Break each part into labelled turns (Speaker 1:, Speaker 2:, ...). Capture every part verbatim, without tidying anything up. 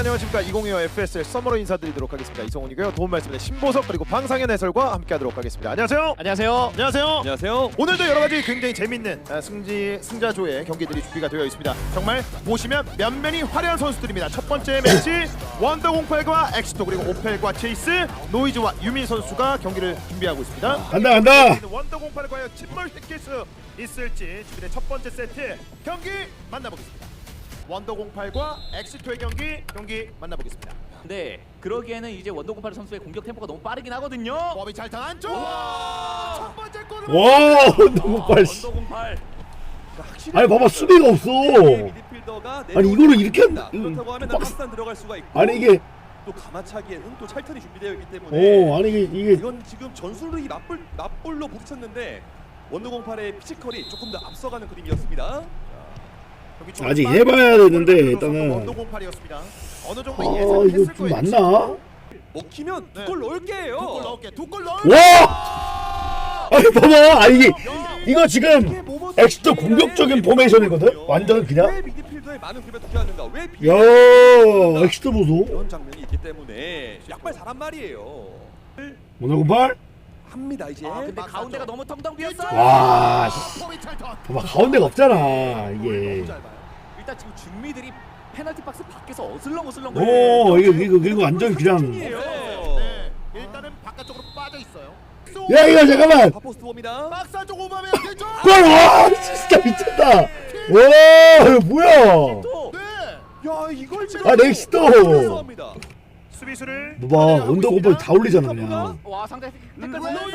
Speaker 1: 안녕하십니까. 이천이십오 에프에스엘 서머로 인사드리도록 하겠습니다. 이성훈이고요. 도움 말씀에 신보석 그리고 방상현 해설과 함께하도록 하겠습니다. 안녕하세요.
Speaker 2: 안녕하세요.
Speaker 1: 안녕하세요.
Speaker 3: 안녕하세요.
Speaker 1: 오늘도 여러 가지 굉장히 재밌는 아, 승지 승자조의 경기들이 준비가 되어 있습니다. 정말 보시면 면면이 화려한 선수들입니다. 첫 번째 매치 원더공팔과 엑시토 그리고 오펠과 체이스, 노이즈와 유민 선수가 경기를 준비하고 있습니다.
Speaker 4: 간다 간다.
Speaker 1: 원더공팔 과연 침몰시킬 수 있을지 준비된 첫 번째 세트 경기 만나보겠습니다. 원더공팔과 엑시토의 경기 경기 만나보겠습니다.
Speaker 2: 네, 그러기에는 이제 원더공팔 선수의 공격 템포가 너무 빠르긴 하거든요.
Speaker 1: 범이 잘 당한 쪽. 첫 번째 골을.
Speaker 4: 와 너무 빨리.
Speaker 2: 원더공팔.
Speaker 4: 아니 봐봐 수비가 없어.
Speaker 3: 미드필더가
Speaker 4: 아니 이거를 이렇게 한.
Speaker 3: 그렇다고 하면
Speaker 4: 박스-
Speaker 3: 박스단 들어갈 수가 있고.
Speaker 4: 아니 이게.
Speaker 3: 또 가마차기에는 또 찰턴이 준비되어 있기 때문에.
Speaker 4: 오 아니 이게 이게.
Speaker 3: 이건 지금 전술이 맞불 맞불로 부딪혔는데 원더공팔의 피지컬이 조금 더 앞서가는 그림이었습니다.
Speaker 4: 아직 해봐야 되는데 일단은.
Speaker 1: 원더공팔이었습니다. 어느 정도
Speaker 4: 아
Speaker 1: 예상했을
Speaker 4: 이거 좀
Speaker 1: 거예요.
Speaker 4: 맞나?
Speaker 3: 먹히면
Speaker 1: 네.
Speaker 3: 두 골 넣을게 해요.
Speaker 1: 두 골 넣을게. 두 골 넣을.
Speaker 4: 와. 아니 봐봐. 아 이게 이거 지금 엑시토 공격적인 포메이션이거든. 완전
Speaker 3: 왜
Speaker 4: 그냥.
Speaker 3: 미드필더에 많은 급여 투자하는가? 왜 비...
Speaker 4: 야 엑시토 보소.
Speaker 3: 이런 장면이 있기 때문에 약발 잘한 말이에요.
Speaker 4: 오늘 공팔.
Speaker 3: 합니다 이제.
Speaker 2: 아, 근데
Speaker 1: 막사죠.
Speaker 2: 가운데가 너무 텅텅 비었어.
Speaker 4: 와. 씨.
Speaker 1: 범이 찰턴.
Speaker 4: 봐봐 가운데가 없잖아 이게.
Speaker 1: 너무 잘 봐요.
Speaker 2: 일단 지금 중미들이 페널티 박스 밖에서 어슬렁 어슬렁.
Speaker 4: 오 이거 이거 이거 완전 그냥.
Speaker 1: 네. 일단은 바깥쪽으로 빠져 있어요.
Speaker 4: 야 이거 잠깐만.
Speaker 3: 파포스트 봅니다.
Speaker 1: 박사 쪽 오바메 대죠.
Speaker 4: 골! 와 진짜 미쳤다. 와 이거 뭐야?
Speaker 2: 또.
Speaker 1: 네.
Speaker 3: 야 이걸 지금
Speaker 4: 아 넥스토.
Speaker 3: 합니다.
Speaker 1: 수비수를
Speaker 4: 봐봐 원더 공팔 다 올리잖아 그냥.
Speaker 2: 와 상대 태클
Speaker 1: 로이!
Speaker 2: 보면서.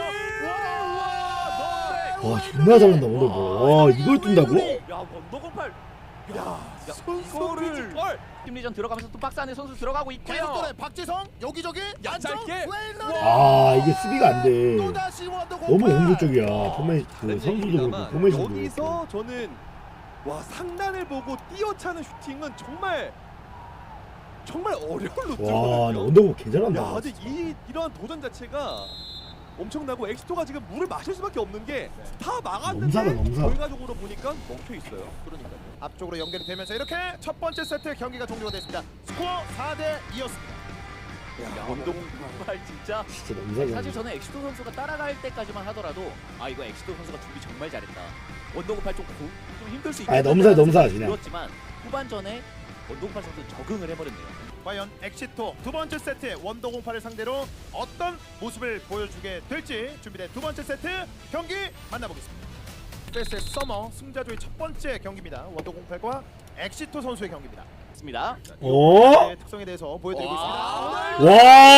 Speaker 4: 와 존나 잘한다 원더 공팔. 와 이걸 뜬다고?
Speaker 2: 야 원더공팔.
Speaker 3: 야
Speaker 2: 선수를.
Speaker 3: 피지컬.
Speaker 2: 심리전 들어가면서 또 박스 안에 선수 들어가고
Speaker 1: 계속
Speaker 2: 있고요.
Speaker 1: 돌아. 박지성 여기저기
Speaker 3: 얇게.
Speaker 4: 아 이게 수비가 안 돼.
Speaker 1: 또 다시 원더공팔.
Speaker 4: 너무 공격적이야. 포메 그 선수도 그렇고
Speaker 3: 다르지만
Speaker 4: 포메이션도 그렇고.
Speaker 3: 여기서 저는 와 상단을 보고 뛰어차는 슈팅은 정말 정말 어려운
Speaker 4: 와, 나
Speaker 3: 루트거든요.
Speaker 4: 원더 공팔 개 잘한다.
Speaker 3: 야, 근데 이 이러한 도전 자체가 엄청나고 엑시토가 지금 물을 마실 수밖에 없는 게 다 막았는데
Speaker 4: 넘사다, 넘사.
Speaker 3: 결과적으로 보니까 먹혀 있어요.
Speaker 1: 그러니까요. 앞쪽으로 연결이 되면서 이렇게 첫 번째 세트 경기가 종료가 됐습니다. 스코어 사 대 이였습니다.
Speaker 2: 야 원더공팔 진짜.
Speaker 4: 진짜 너무 잘한다.
Speaker 2: 사실 저는 엑시토 선수가 따라갈 때까지만 하더라도 아 이거 엑시토 선수가 준비 정말 잘했다. 원더공팔 좀, 고, 좀 힘들 수
Speaker 4: 아니,
Speaker 2: 있겠다.
Speaker 4: 넘사, 넘사, 그냥.
Speaker 2: 그렇지만 후반전에 원더공팔 선수 적응을 해버렸네요.
Speaker 1: 과연 엑시토 두 번째 세트 원더공팔을 상대로 어떤 모습을 보여주게 될지 준비된 두 번째 세트 경기 만나보겠습니다. 에프에스엘 서머 승자조의 첫 번째 경기입니다. 원더공팔과 엑시토 선수의 경기입니다.
Speaker 2: 맞습니다.
Speaker 4: 어?
Speaker 1: 네, 특성에 대해서 보여드리고
Speaker 2: 와.
Speaker 1: 있습니다.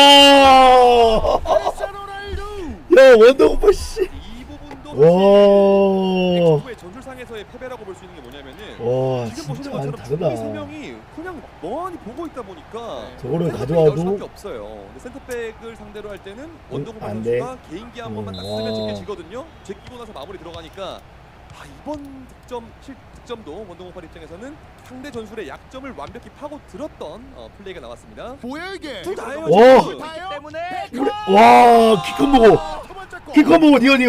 Speaker 4: 와.
Speaker 1: 크리스티아노 로날두!
Speaker 4: 야 원더 공팔 씨.
Speaker 3: 이 부분도
Speaker 4: 와.
Speaker 3: 엑시토의 전술상에서의 패배라고 볼 수 있는 게 뭐냐면은
Speaker 4: 와
Speaker 3: 지금 보시는
Speaker 4: 진짜 많이
Speaker 3: 것처럼 중미 세
Speaker 4: 다르다.
Speaker 3: 명이 그냥 멍하니 보고 있다 보니까
Speaker 1: 네.
Speaker 4: 저거를
Speaker 3: 센터백이 나올 수밖에
Speaker 4: 가져와도
Speaker 3: 없어요. 근데 센터백을 상대로 할 때는 원더공팔
Speaker 4: 안 돼.
Speaker 3: 선수가 개인기 한 번만 딱
Speaker 4: 음,
Speaker 3: 쓰면
Speaker 4: 와.
Speaker 3: 제껴지거든요. 제끼고 나서 마무리 들어가니까 아 이번 득점 실 득점도 원더공팔 입장에서는 상대 전술의 약점을 완벽히 파고 들었던 어, 플레이가 나왔습니다.
Speaker 1: 뭐야 이게?
Speaker 3: 둘 다예요.
Speaker 4: 와.
Speaker 3: 지금.
Speaker 1: 다예요?
Speaker 2: 때문에
Speaker 4: 우리- 와 키컨 보고
Speaker 1: 첫 번째 골.
Speaker 4: 키컨 보고 니언이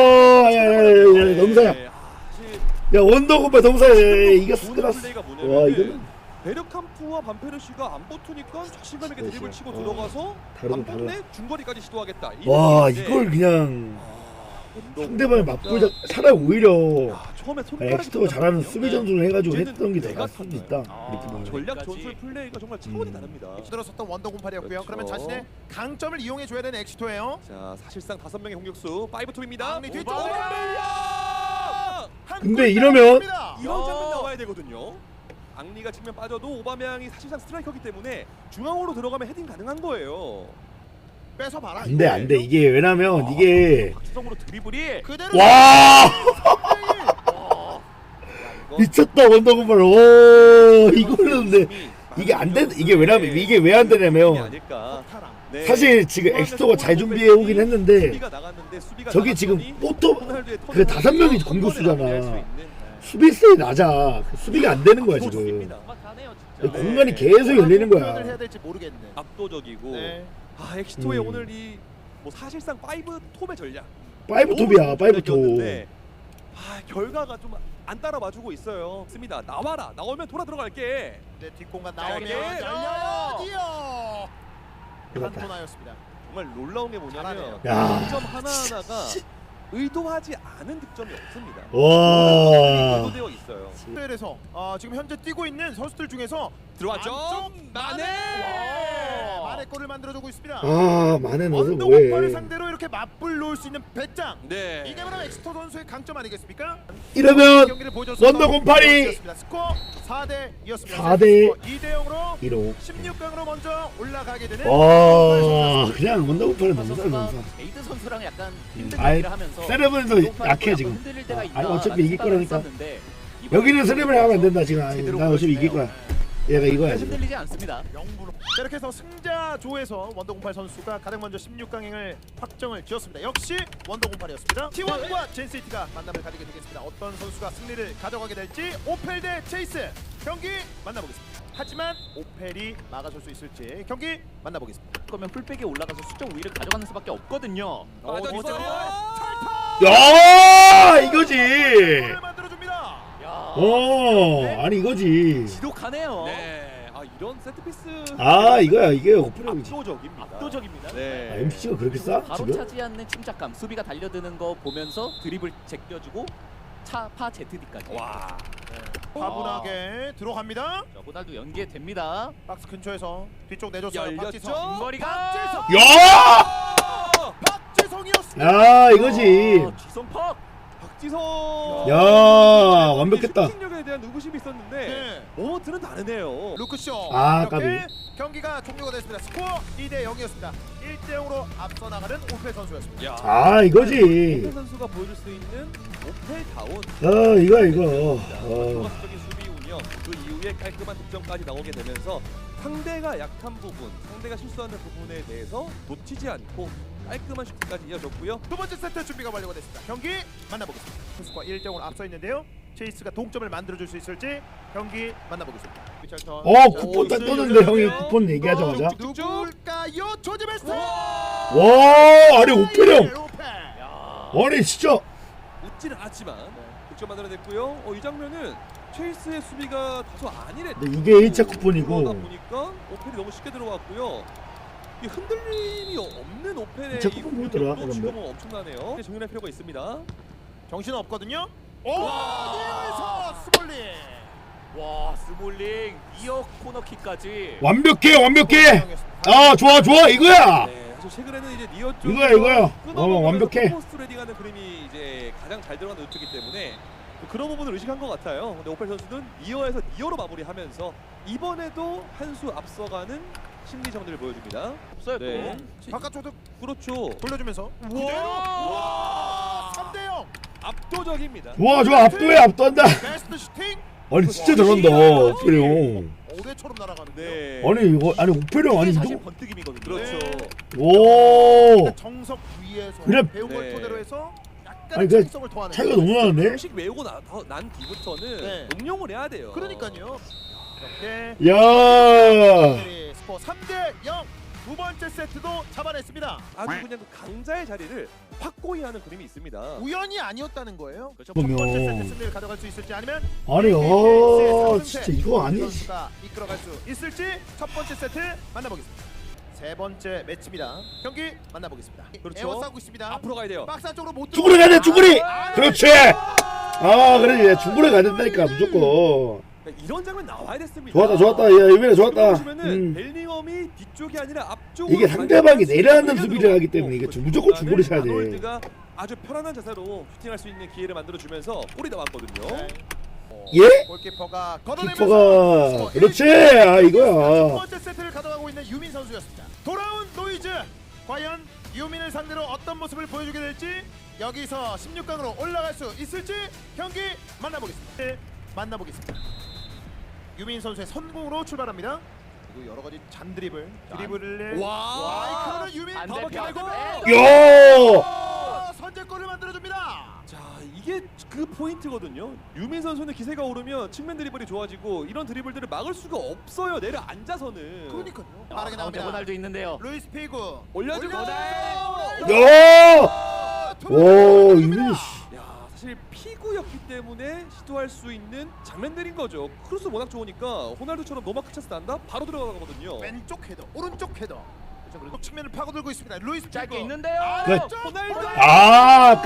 Speaker 4: 와야야야 넘사야.
Speaker 3: 네, 아, 사실
Speaker 4: 야 원더 공팔 넘사야. 이거
Speaker 3: 좋은
Speaker 4: 스크라스.
Speaker 3: 플레이가
Speaker 4: 와
Speaker 3: 뭐냐면
Speaker 4: 이거는
Speaker 3: 베르캄프와 반페르시가 안 붙으니까 자신감 있게
Speaker 4: 그렇죠.
Speaker 3: 드리블 치고
Speaker 4: 어.
Speaker 3: 들어가서
Speaker 4: 다르다,
Speaker 3: 안 붙네
Speaker 4: 다르다.
Speaker 3: 중거리까지 시도하겠다.
Speaker 4: 와
Speaker 3: 이런
Speaker 4: 이걸 그냥
Speaker 3: 건데,
Speaker 4: 상대방이 맞불자 차라리 오히려
Speaker 3: 야, 처음에 손가락이
Speaker 4: 엑시토가 잘하는
Speaker 3: 들어갔거든요.
Speaker 4: 수비 전술을 해가지고
Speaker 3: 이제는
Speaker 4: 했던 게 더
Speaker 3: 내가
Speaker 4: 나을 수도 있다.
Speaker 2: 아,
Speaker 4: 이렇게 보면.
Speaker 3: 전략
Speaker 2: 여기까지.
Speaker 3: 전술 플레이가 정말 차원이
Speaker 4: 음.
Speaker 3: 다릅니다.
Speaker 1: 들어섰던 원더공팔이었고요.
Speaker 3: 그렇죠.
Speaker 1: 그러면 자신의 강점을 이용해 줘야 되는 엑시토예요.
Speaker 3: 자 사실상 다섯 명의 공격수 파이브 톱입니다.
Speaker 1: 앙리 뒤쪽.
Speaker 3: 오바메양!
Speaker 1: 한
Speaker 4: 근데
Speaker 1: 골
Speaker 4: 이러면-
Speaker 1: 따냈습니다.
Speaker 3: 이런
Speaker 2: 야.
Speaker 3: 장면 나와야 되거든요. 앙리가 측면 빠져도 오바메양이 사실상 스트라이커기 때문에 중앙으로 들어가면 헤딩 가능한 거예요.
Speaker 1: 뺏어 봐라.
Speaker 4: 안돼 안돼 이게 왜냐면 이게
Speaker 2: 박지성으로 드리블이.
Speaker 1: 그대로.
Speaker 4: 와
Speaker 2: 와.
Speaker 3: 이거
Speaker 4: 미쳤다 원더 공팔. 오 이거는 근데 이게 안 된 이게 왜냐면 이게 왜 안
Speaker 3: 이
Speaker 4: 되냐면
Speaker 3: 아닐까. 네.
Speaker 4: 사실 지금 엑시토가 잘 준비해 오긴 했는데
Speaker 3: 수비가 나갔는데 수비가
Speaker 4: 저기 지금
Speaker 3: 나갔더니
Speaker 4: 포토
Speaker 3: 호날두의
Speaker 4: 그
Speaker 3: 턴을
Speaker 4: 다섯 명이
Speaker 3: 한 번에
Speaker 4: 공격수잖아.
Speaker 3: 마무리할 수 있는, 네.
Speaker 4: 수비수에 낮아. 그 수비가 안 되는 거야 지금.
Speaker 3: 압도적입니다.
Speaker 2: 막하네요
Speaker 4: 이
Speaker 2: 진짜.
Speaker 3: 네.
Speaker 4: 공간이 계속 열리는
Speaker 1: 표현을 해야
Speaker 4: 거야.
Speaker 1: 될지 모르겠네.
Speaker 3: 압도적이고
Speaker 1: 네.
Speaker 3: 아 엑시토의
Speaker 4: 음.
Speaker 3: 오늘 이 뭐 사실상 파이브 톱의 전략
Speaker 4: 파이브 톱이야 파이브 톱.
Speaker 3: 전략이었는데 아 결과가 좀 안 따라와주고 있어요. 습니다. 나와라. 나오면 돌아 들어갈게.
Speaker 1: 네, 뒷공간
Speaker 2: 자,
Speaker 1: 나오면
Speaker 2: 이렇게
Speaker 1: 열려요.
Speaker 4: 끝났다.
Speaker 1: 칸토나였습니다.
Speaker 3: 정말 놀라운 게 뭐냐면
Speaker 1: 잘하네요.
Speaker 4: 야.
Speaker 3: 득점 하나하나가 의도하지 않은 득점이 없습니다.
Speaker 4: 와.
Speaker 3: 의도되어 있어요.
Speaker 1: 스펠에서 어, 지금 현재 뛰고 있는 선수들 중에서
Speaker 3: 들어왔죠?
Speaker 1: 안쪽
Speaker 3: 마네!
Speaker 1: 와, 마네 골을 만들어주고 있습니다.
Speaker 4: 아, 만에 넣어서
Speaker 1: 원더골파를
Speaker 4: 뭐해.
Speaker 1: 상대로 이렇게 맞불 놓을 수 있는 배짱.
Speaker 3: 네.
Speaker 1: 이게 바로 엑스터 선수의 강점 아니겠습니까?
Speaker 4: 이러면
Speaker 1: 경기를 보여줬습니다.
Speaker 4: 원더골파리
Speaker 1: 스코어 사 대 이였습니다.
Speaker 4: 사 대
Speaker 1: 이 대 영으로
Speaker 4: 이로.
Speaker 1: 십육 강으로 먼저 올라가게 되는
Speaker 4: 와, 그냥 원더골파는 너무 잘
Speaker 2: 선수가
Speaker 4: 넣었어.
Speaker 2: 에이드 선수랑 약간 힘든
Speaker 4: 아이,
Speaker 2: 경기를 하면서
Speaker 4: 세레브에서 약해 지금.
Speaker 2: 흔들릴 때가
Speaker 4: 아니,
Speaker 2: 있다라는
Speaker 4: 어차피 이길
Speaker 2: 생각을
Speaker 4: 거라니까.
Speaker 2: 했었는데 이번에
Speaker 4: 여기는 세레브를 하면 안 된다 지금. 아니,
Speaker 2: 제대로
Speaker 4: 나 어차피 이길 거야. 얘가 이거야 지금.
Speaker 2: 흔들리지 않습니다.
Speaker 1: 영부로. 자, 이렇게 해서 승자조에서 원더공팔 선수가 가장 먼저 십육 강행을 확정을 지었습니다. 역시 원더공팔이었습니다. 티원과 젠시티가 만남을 가지게 되겠습니다. 어떤 선수가 승리를 가져가게 될지 오펠 대 체이스 경기 만나보겠습니다. 하지만 오펠이 막아설 수 있을지 경기 만나보겠습니다.
Speaker 2: 그러면 풀백에 올라가서 수적 우위를 가져가는 수밖에 없거든요.
Speaker 3: 맞았어요.
Speaker 4: 야, 이거지.
Speaker 1: 골을 만들어줍니다.
Speaker 2: 야,
Speaker 4: 어, 아니 이거지.
Speaker 2: 지독하네요.
Speaker 3: 네. 아 이런 세트피스
Speaker 4: 아, 이거야 이게 오프닝이지.
Speaker 3: 압도적입니다.
Speaker 2: 압도적입니다.
Speaker 3: 네.
Speaker 4: 아, 엠씨가 그렇게 싸?
Speaker 2: 바로
Speaker 4: 지금?
Speaker 2: 차지 않는 침착감, 수비가 달려드는 거 보면서 드립을 제껴주고 차파 제트디까지.
Speaker 3: 와.
Speaker 1: 과분하게 들어갑니다.
Speaker 2: 자, 호날두 연계됩니다.
Speaker 1: 박스 근처에서 뒤쪽 내줬어요.
Speaker 3: 열렸죠?
Speaker 1: 박지성.
Speaker 2: 머리가
Speaker 1: 박지성.
Speaker 4: 야!
Speaker 1: 박지성이었습니다.
Speaker 4: 야, 이거지.
Speaker 2: 아, 지성팍.
Speaker 3: 박지성.
Speaker 4: 야, 완벽했다.
Speaker 3: 슈팅력에 대한 의구심이 있었는데
Speaker 1: 네.
Speaker 3: 모먼트는 다르네요.
Speaker 1: 루크쇼.
Speaker 4: 아,
Speaker 1: 이렇게
Speaker 4: 까비.
Speaker 1: 경기가 종료가 됐습니다. 스코어 이 대 영이었습니다. 일 대 영으로 앞서 나가는 오페 선수였습니다.
Speaker 3: 야.
Speaker 4: 아, 이거지.
Speaker 3: 오페 선수가 보여줄 수 있는 오페다운
Speaker 4: 어, 이거 이거. 어.
Speaker 3: 종합적인 수비 운영, 그 이후에 깔끔한 득점까지 나오게 되면서 상대가 약한 부분, 상대가 실수하는 부분에 대해서 놓치지 않고 깔끔한 슈팅까지 이어졌고요.
Speaker 1: 두 번째 세트 준비가 완료가 됐습니다. 경기 만나보겠습니다. 투스코어 일 대 영으로 앞서 있는데요. 체이스가 동점을 만들어줄 수 있을지 경기 만나보겠습니다. 리찰턴.
Speaker 4: 어, 쿠폰 딱 떴는데 형이 쿠폰 얘기하자마자.
Speaker 1: 누굴까요? 조지 베스트.
Speaker 4: 와, 아니 오페령.
Speaker 1: 오페.
Speaker 2: 야.
Speaker 4: 아니 진짜.
Speaker 3: 웃지는 않았지만 득점 만들어냈고요. 어, 이 장면은 체이스의 수비가 다소 안일했.
Speaker 4: 근데 이게 일 차 쿠폰이고.
Speaker 3: 그러다 보니까 오펠이 너무 쉽게 들어왔고요. 이 흔들림이 없는 오펠의
Speaker 4: 이 차 쿠폰 뭐더라,
Speaker 3: 공격도 지금은 엄청나네요. 정연할 필요가 있습니다.
Speaker 1: 정신 없거든요. 오! 니어에서 스몰리.
Speaker 2: 와, 스몰링 이어 코너킥까지.
Speaker 4: 완벽해, 완벽해. 아, 좋아, 좋아, 이거야.
Speaker 3: 네, 사실 최근에는 이제 니어 쪽
Speaker 4: 이거야, 이거야. 어, 완벽해.
Speaker 3: 포스트 레딩하는 그림이 이제 가장 잘 들어가는 루트이기 때문에 뭐 그런 부분을 의식한 것 같아요. 근데 오펠 선수는 니어에서 니어로 마무리하면서 이번에도 한 수 앞서가는 심리전을 보여줍니다.
Speaker 2: 없어요
Speaker 3: 네.
Speaker 2: 또.
Speaker 1: 바깥쪽도
Speaker 3: 그렇죠.
Speaker 1: 돌려주면서
Speaker 3: 우와!
Speaker 1: 와! 삼 대 영.
Speaker 3: 압도적입니다.
Speaker 4: 좋아, 좋아, 압도해, 압도한다.
Speaker 1: 베스트 슈팅.
Speaker 4: 아니 진짜 잘한다, 오페령.
Speaker 1: 올해처럼 날아가는데.
Speaker 3: 네.
Speaker 4: 아니 이거 아니 오페령 아니
Speaker 2: 이게
Speaker 4: 이거.
Speaker 2: 사실 번뜩임이거든요.
Speaker 3: 그렇죠.
Speaker 4: 오.
Speaker 1: 정석 위에서
Speaker 4: 그래.
Speaker 1: 배운 걸
Speaker 3: 네.
Speaker 1: 토대로 해서 약간
Speaker 4: 아니, 그
Speaker 1: 정성을 더하는
Speaker 4: 차이가 너무 나는데?
Speaker 3: 공식 외우고 나, 더- 난 뒤부터는
Speaker 1: 네.
Speaker 3: 응용을 해야 돼요.
Speaker 1: 그러니까요. 이렇게
Speaker 4: 야.
Speaker 1: 네, 스코어 삼 대 영. 두 번째 세트도 잡아냈습니다.
Speaker 3: 아주 그냥 그 강자의 자리를 확고히 하는 그림이 있습니다.
Speaker 1: 우연이 아니었다는 거예요.
Speaker 2: 그렇죠.
Speaker 1: 첫 번째
Speaker 4: 그러면-
Speaker 1: 세트 승리를 가져갈 수 있을지 아니면
Speaker 4: 아니 어 진짜 이거 아니지.
Speaker 1: 선수가 이끌어갈 수 있을지 첫 번째 세트 만나보겠습니다. 세 번째 매치입니다. 경기 만나보겠습니다.
Speaker 3: 그렇죠.
Speaker 1: 에워싸고 있습니다.
Speaker 3: 앞으로 가야 돼요.
Speaker 1: 박스 안쪽으로 못
Speaker 4: 쭈구리 가야 돼, 쭈구리.
Speaker 1: 아,
Speaker 4: 그렇지. 아 그래, 중불에 가야 된다니까 무조건.
Speaker 3: 그러니까 이런 장면 나와야 됐습니다.
Speaker 4: 좋았다, 좋았다. 야 유민아 좋았다.
Speaker 3: 보시면은
Speaker 4: 음.
Speaker 3: 벨링엄이 뒤쪽이 아니라 앞쪽
Speaker 4: 이게 상대방이 내려앉는 수비를 하기 때문에 이게 무조건 중거리 쳐야 돼.
Speaker 3: 아놀드가 아주 편안한 자세로 슈팅할 수 있는 기회를 만들어 주면서 골이 나왔거든요.
Speaker 1: 네.
Speaker 4: 예?
Speaker 1: 골키퍼가 걷어내면서
Speaker 4: 키퍼가 그렇지. 아
Speaker 1: 첫
Speaker 4: 이거야.
Speaker 1: 번째 세트를 가져가고 있는 유민 선수였습니다. 돌아온 노이즈. 과연 유민을 상대로 어떤 모습을 보여주게 될지 여기서 십육 강으로 올라갈 수 있을지 경기 만나보겠습니다. 네, 만나보겠습니다. 유민 선수의 선공으로 출발합니다. 그리고 여러 가지 잔 드리블, 드리블을
Speaker 3: 와!
Speaker 1: 와, 이거는 유민
Speaker 2: 반대편.
Speaker 1: 더블킥
Speaker 4: 야.
Speaker 1: 아, 선제골을 만들어줍니다.
Speaker 3: 자 이게 그 포인트거든요. 유민 선수는 기세가 오르면 측면 드리블이 좋아지고 이런 드리블들을 막을 수가 없어요. 내려 앉아서는.
Speaker 1: 그러니까요.
Speaker 2: 아,
Speaker 1: 빠르게
Speaker 2: 가운데
Speaker 1: 나옵니다.
Speaker 2: 호날두 있는데요.
Speaker 1: 루이스 피구
Speaker 3: 올려주고
Speaker 4: 야. 오 유민이. 씨.
Speaker 3: 야 사실 피구였기 때문에 시도할 수 있는 장면들인 거죠. 크로스 워낙 좋으니까 호날두처럼 노마크 찬스 난다 바로 들어가거든요.
Speaker 1: 왼쪽 헤더, 오른쪽 헤더.
Speaker 2: 그렇죠. 그리고
Speaker 1: 측면을 파고들고 있습니다. 루이스
Speaker 2: 짧게
Speaker 1: 피고.
Speaker 2: 있는데요.
Speaker 4: 그-
Speaker 1: 호날두.
Speaker 4: 아 아까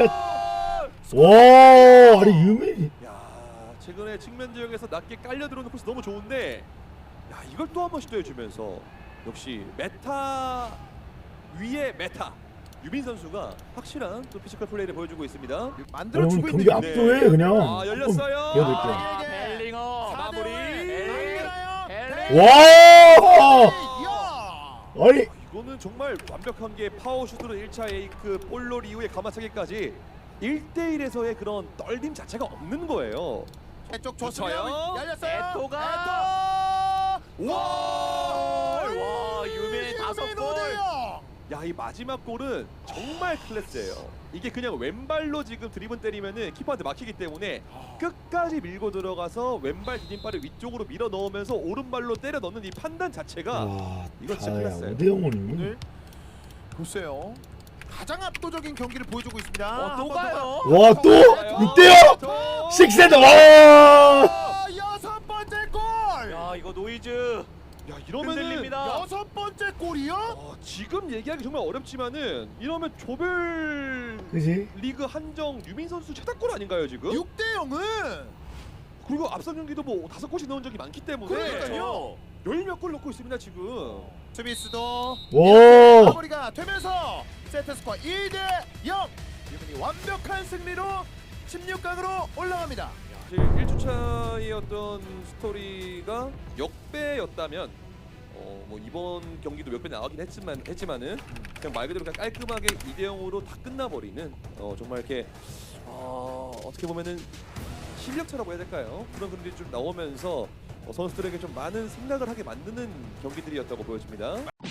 Speaker 4: 와 아니 유민
Speaker 3: 야, 최근에 측면 지역에서 낮게 깔려 들어오는 코스 너무 좋은데, 야 이걸 또 한 번 시도해주면서 역시 메타 위에 메타 유빈 선수가 확실한 또 피지컬 플레이를 보여주고 있습니다.
Speaker 1: 만들어주고
Speaker 4: 경기
Speaker 1: 있는
Speaker 4: 압도해
Speaker 3: 네.
Speaker 4: 그냥
Speaker 3: 아, 열렸어요.
Speaker 4: 보여드릴게요.
Speaker 2: 아,
Speaker 1: 예, 예.
Speaker 2: 벨링어 마무리.
Speaker 1: 벨링.
Speaker 4: 와
Speaker 1: 야.
Speaker 4: 아니
Speaker 3: 이거는 정말 완벽한 게 파워슛으로 일 차 에이크, 볼롤 이후에 가마차기까지 일 대일에서의 그런 떨림 자체가 없는 거예요.
Speaker 1: 쪽
Speaker 3: 좋아요.
Speaker 1: 좋습니다. 열렸어요.
Speaker 2: 에토가.
Speaker 1: 에토. 와.
Speaker 2: 와, 유빈 다섯 골.
Speaker 3: 야, 이 마지막 골은 정말 클래스예요. 이게 그냥 왼발로 지금 드리븐 때리면은 키퍼한테 막히기 때문에 끝까지 밀고 들어가서 왼발 디딤발을 위쪽으로 밀어 넣으면서 오른발로 때려 넣는 이 판단 자체가
Speaker 4: 와
Speaker 3: 이거 진짜
Speaker 4: 다야
Speaker 3: 클래스예요.
Speaker 4: 오대영원이
Speaker 1: 오늘 글쎄요. 가장 압도적인 경기를 보여주고 있습니다.
Speaker 2: 어, 또 가요.
Speaker 4: 와또
Speaker 3: 좋아요.
Speaker 4: 육 대영
Speaker 3: 저-
Speaker 4: 식세드 와
Speaker 1: 아, 여섯 번째 골.
Speaker 2: 야, 이거 노이즈
Speaker 3: 야, 이러면은
Speaker 2: 흔들립니다.
Speaker 1: 여섯 번째 골이요?
Speaker 3: 어, 지금 얘기하기 정말 어렵지만은 이러면 조별
Speaker 4: 그지
Speaker 3: 리그 한정 유민 선수 최다골 아닌가요 지금?
Speaker 1: 육 대 영은
Speaker 3: 그리고 앞선 경기도 뭐 다섯 골씩 넣은 적이 많기 때문에
Speaker 1: 그러니까요.
Speaker 3: 열몇 골 넣고 있습니다 지금.
Speaker 1: 스미스도
Speaker 4: 와
Speaker 1: 마무리가 되면서 세트 스코어 일 대 영. 유민이 완벽한 승리로 십육 강으로 올라갑니다.
Speaker 3: 사실 일 주차의 어떤 스토리가 역배였다면 어, 뭐 이번 경기도 몇 배 나가긴 했지만 했지만은 그냥 말 그대로 그냥 깔끔하게 이 대 영으로 다 끝나버리는 어, 정말 이렇게 어, 어떻게 보면은 실력차라고 해야 될까요? 그런 그림들이 좀 나오면서 어, 선수들에게 좀 많은 생각을 하게 만드는 경기들이었다고 보여집니다.